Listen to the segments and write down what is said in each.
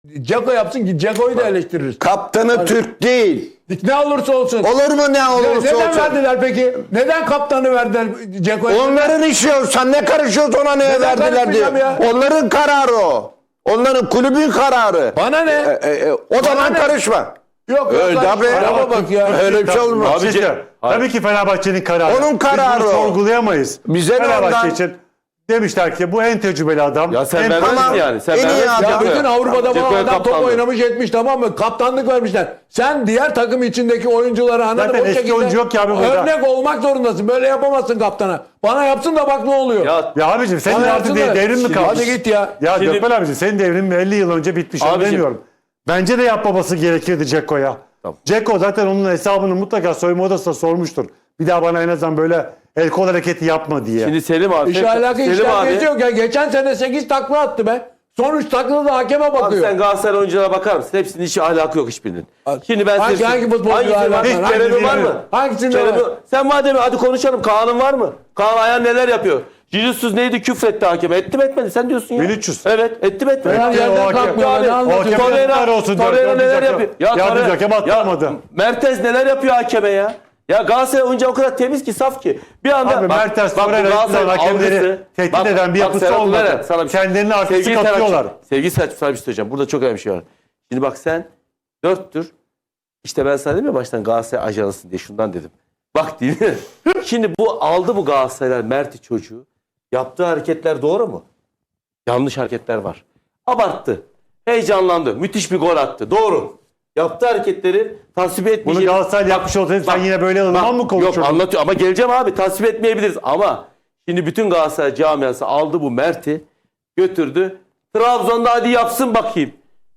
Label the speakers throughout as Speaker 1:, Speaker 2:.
Speaker 1: Ceko yapsın ki Ceko'yu da eleştiririz.
Speaker 2: Kaptanı Türk değil.
Speaker 1: Ne olursa olsun.
Speaker 2: Olur mu ne olursa
Speaker 1: Neden
Speaker 2: olsun?
Speaker 1: verdiler peki? Neden kaptanı verdiler Ceko'ya?
Speaker 2: Onların işi yok. Sen ne karışıyorsun ona neye
Speaker 1: Neden
Speaker 2: verdiler diye.
Speaker 1: karışmayacağım ya?
Speaker 2: Onların kararı o. Onların kulübün kararı.
Speaker 1: Bana ne?
Speaker 2: O zaman
Speaker 1: ne?
Speaker 2: karışma.
Speaker 1: Yok
Speaker 2: Öyle
Speaker 1: kardeşim,
Speaker 2: tabii.
Speaker 1: araba bak ya.
Speaker 2: Öyle bir şey olmaz.
Speaker 3: Abici, tabii ki Fenerbahçe'nin kararı.
Speaker 2: Onun kararı
Speaker 3: Biz bunu
Speaker 2: o.
Speaker 3: sorgulayamayız.
Speaker 2: Bize ne
Speaker 3: Fenerbahçe
Speaker 2: ondan?
Speaker 3: için demişler ki bu en tecrübeli adam.
Speaker 4: Ya sen
Speaker 3: en
Speaker 4: vermezsin
Speaker 2: Ama
Speaker 4: yani. Sen
Speaker 2: en iyi
Speaker 4: vermezsin.
Speaker 2: adam.
Speaker 1: Ya bütün Avrupa'da
Speaker 4: Ceko'ya
Speaker 1: falan adam top
Speaker 4: kaptanlık.
Speaker 1: oynamış etmiş, tamam mı? Kaptanlık vermişler. Sen diğer takım içindeki oyuncuları anladın
Speaker 3: Zaten
Speaker 1: o
Speaker 3: eski
Speaker 1: şekilde
Speaker 3: oyuncu yok ki abi burada.
Speaker 1: örnek olmak zorundasın. Böyle yapamazsın kaptana. Bana yapsın da bak ne oluyor.
Speaker 4: Ya
Speaker 3: abicim senin
Speaker 1: Bana
Speaker 3: artık
Speaker 1: yapsın da-
Speaker 3: devrin mi
Speaker 1: Şimdi
Speaker 3: kalmış?
Speaker 1: hadi git ya.
Speaker 3: Ya
Speaker 4: Şimdi-
Speaker 3: Gökmen abicim senin devrin 50 yıl önce bitmiş. Onu
Speaker 4: Abicim-
Speaker 3: demiyorum. Bence de yapmaması gerekirdi Ceko'ya.
Speaker 4: Tamam.
Speaker 3: Ceko zaten onun hesabını mutlaka soyunma odasında sormuştur. Bir daha bana en azından böyle el kol hareketi yapma diye.
Speaker 4: şimdi Selim abi.
Speaker 1: İş alakası
Speaker 4: Selim abi.
Speaker 1: yok ya. Geçen sene 8 takla attı be. Son 3 taklada da hakeme
Speaker 4: Abi
Speaker 1: bakıyor.
Speaker 4: sen Galatasaray oyunculara bakar mısın? Hepsinin hiç alakası yok hiçbirinin. Şimdi ben
Speaker 1: Hangi futbolcu alakası var?
Speaker 4: Hiç
Speaker 1: Hangi
Speaker 4: Kerem'in var
Speaker 3: biri?
Speaker 4: mı?
Speaker 1: Hangisinde
Speaker 4: Kerem'in-
Speaker 1: var?
Speaker 4: Sen madem hadi konuşalım. Kaan'ın var mı? Kaan Ayhan neler yapıyor? Jesus neydi? Küfretti hakeme. Etti mi etmedi? Sen diyorsun ya.
Speaker 3: 1300.
Speaker 4: Evet. Etti mi etmedi?
Speaker 1: Fener
Speaker 3: Etti, o
Speaker 1: yerden
Speaker 3: hakem-
Speaker 1: kalkmıyor.
Speaker 4: Yani
Speaker 1: Ne anlatıyorsun?
Speaker 3: hakem-
Speaker 4: Torreira,
Speaker 3: Yazıklar olsun,
Speaker 4: Torreira
Speaker 3: dördüncü
Speaker 4: neler
Speaker 3: hakem-
Speaker 4: yapıyor?
Speaker 3: yardımcı
Speaker 4: Torreira-
Speaker 3: hakem attırmadı.
Speaker 4: Mertens neler yapıyor hakeme ya? Ya Galatasaray oyuncu o kadar temiz ki, saf ki. Bir anda
Speaker 3: Abi Mertens,
Speaker 4: bu
Speaker 3: Torreira
Speaker 4: Galatasaray'ın
Speaker 3: hakemleri
Speaker 4: algısı-
Speaker 3: tehdit eden bir yapısı
Speaker 4: Serhat
Speaker 3: olmadı.
Speaker 4: Ulan, sana bir şey-
Speaker 3: Kendilerini artistik
Speaker 4: Sevgili Serhat'cığım,
Speaker 3: atıyorlar.
Speaker 4: Sevgili Serhat'cığım, sana bir şey söyleyeceğim. Burada çok önemli bir şey var. Şimdi bak sen 4'tür. İşte ben sana dedim ya baştan Galatasaray ajansın diye, şundan dedim. Bak değil mi? Şimdi bu aldı bu Galatasaraylar Mert'i çocuğu. Yaptığı hareketler doğru mu? Yanlış hareketler var. Abarttı. Heyecanlandı. Müthiş bir gol attı. Doğru. Yaptığı hareketleri tasvip
Speaker 3: Bunu
Speaker 4: etmeyeceğiz.
Speaker 3: Galatasaray yapmış olsaydı sen yine böyle ılıman mı konuşurdun?
Speaker 4: Yok anlatıyor ama geleceğim abi. Tasvip etmeyebiliriz ama şimdi bütün Galatasaray camiası aldı bu Mert'i, götürdü. Trabzon'da hadi yapsın bakayım.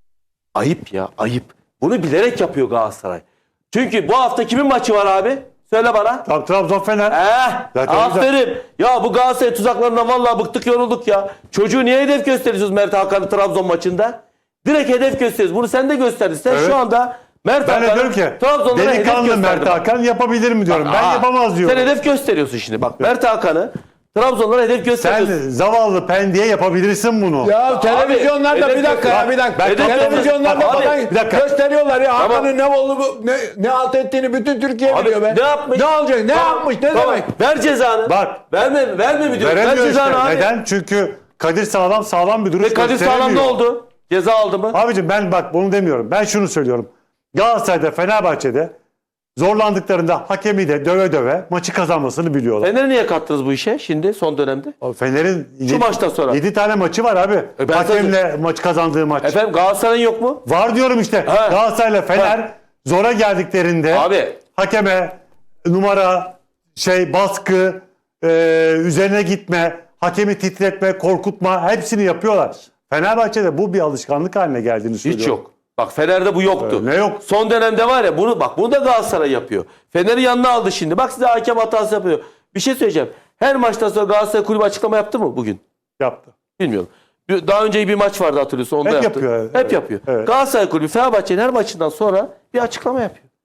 Speaker 4: Ayıp ya, ayıp. Bunu bilerek yapıyor Galatasaray. Çünkü bu hafta kimin maçı var abi? Söyle bana.
Speaker 3: Trabzon Fener. Zaten
Speaker 4: Aferin. Ya bu Galatasaray tuzaklarından vallahi bıktık, yorulduk ya. Çocuğu niye hedef gösteriyorsunuz Mert Hakan'ı Trabzon maçında? Direkt hedef gösteriyoruz. Bunu sen de gösterdin. Sen
Speaker 3: Evet.
Speaker 4: şu anda Mert
Speaker 3: Ben de
Speaker 4: Hakan'ı
Speaker 3: diyorum ki
Speaker 4: Trabzon'da hedef
Speaker 3: delikanlı
Speaker 4: gösterdin.
Speaker 3: Mert Hakan yapabilir mi diyorum. Ben
Speaker 4: Aa,
Speaker 3: yapamaz diyorum.
Speaker 4: Sen hedef gösteriyorsun şimdi. Bak Mert Hakan'ı Trabzon'da hedef
Speaker 3: Sen
Speaker 4: gösteriyorsun.
Speaker 3: zavallı Pendik'e yapabilirsin bunu.
Speaker 1: Ya televizyonlarda
Speaker 4: hedef
Speaker 1: bir dakika ya bir dakika.
Speaker 4: Hedef
Speaker 1: Televizyonlarda
Speaker 4: Abi,
Speaker 1: falan
Speaker 3: bir dakika.
Speaker 1: gösteriyorlar ya.
Speaker 4: Tamam.
Speaker 1: Hakan'ın ne oldu ne alt ettiğini bütün Türkiye
Speaker 4: Abi,
Speaker 1: biliyor be.
Speaker 4: ne yapmış?
Speaker 1: Ne olacak? Ne
Speaker 4: Tamam,
Speaker 1: yapmış? Ne
Speaker 4: tamam.
Speaker 1: demek?
Speaker 4: Ver cezanı.
Speaker 3: Bak.
Speaker 4: Verme mi diyorum? Ver
Speaker 3: Veremiyor
Speaker 4: cezanı
Speaker 3: işte.
Speaker 4: abi.
Speaker 3: Neden? Çünkü Kadir sağlam bir duruş
Speaker 4: Ve Kadir Sağlam ne
Speaker 3: gösteremiyor.
Speaker 4: oldu? Ceza aldı mı?
Speaker 3: Abicim ben bak bunu demiyorum. Ben şunu söylüyorum. Galatasaray'da, Fenerbahçe'de zorlandıklarında hakemi de döve döve maçı kazanmasını biliyorlar.
Speaker 4: Fener'i niye kattınız bu işe şimdi son dönemde?
Speaker 3: Fener'in
Speaker 4: Şu maçtan sonra.
Speaker 3: 7 tane maçı var abi.
Speaker 4: ben
Speaker 3: Hakemle maç kazandığı maç.
Speaker 4: Efendim Galatasaray'ın yok mu?
Speaker 3: Var diyorum işte.
Speaker 4: Ha.
Speaker 3: Galatasaray'la Fener
Speaker 4: Ha.
Speaker 3: zora geldiklerinde
Speaker 4: Abi.
Speaker 3: hakeme numara, baskı, üzerine gitme, hakemi titretme, korkutma hepsini yapıyorlar. Fenerbahçe'de bu bir alışkanlık haline geldiğini söylüyorum.
Speaker 4: Hiç yok. Bak Fener'de bu yoktu.
Speaker 3: Ne yok?
Speaker 4: Son dönemde var ya bunu da Galatasaray yapıyor. Fener'i yanına aldı şimdi. Bak size hakem hatası yapıyor. Bir şey söyleyeceğim. Her maçtan sonra Galatasaray kulübü açıklama yaptı mı bugün?
Speaker 3: Yaptı.
Speaker 4: Bilmiyorum. Daha önce bir maç vardı hatırlıyorsun. Onu
Speaker 3: Hep
Speaker 4: da yaptı.
Speaker 3: yapıyor,
Speaker 4: Hep
Speaker 3: evet.
Speaker 4: yapıyor.
Speaker 3: Evet.
Speaker 4: Galatasaray kulübü Fenerbahçe'nin her maçından sonra bir açıklama yapıyor.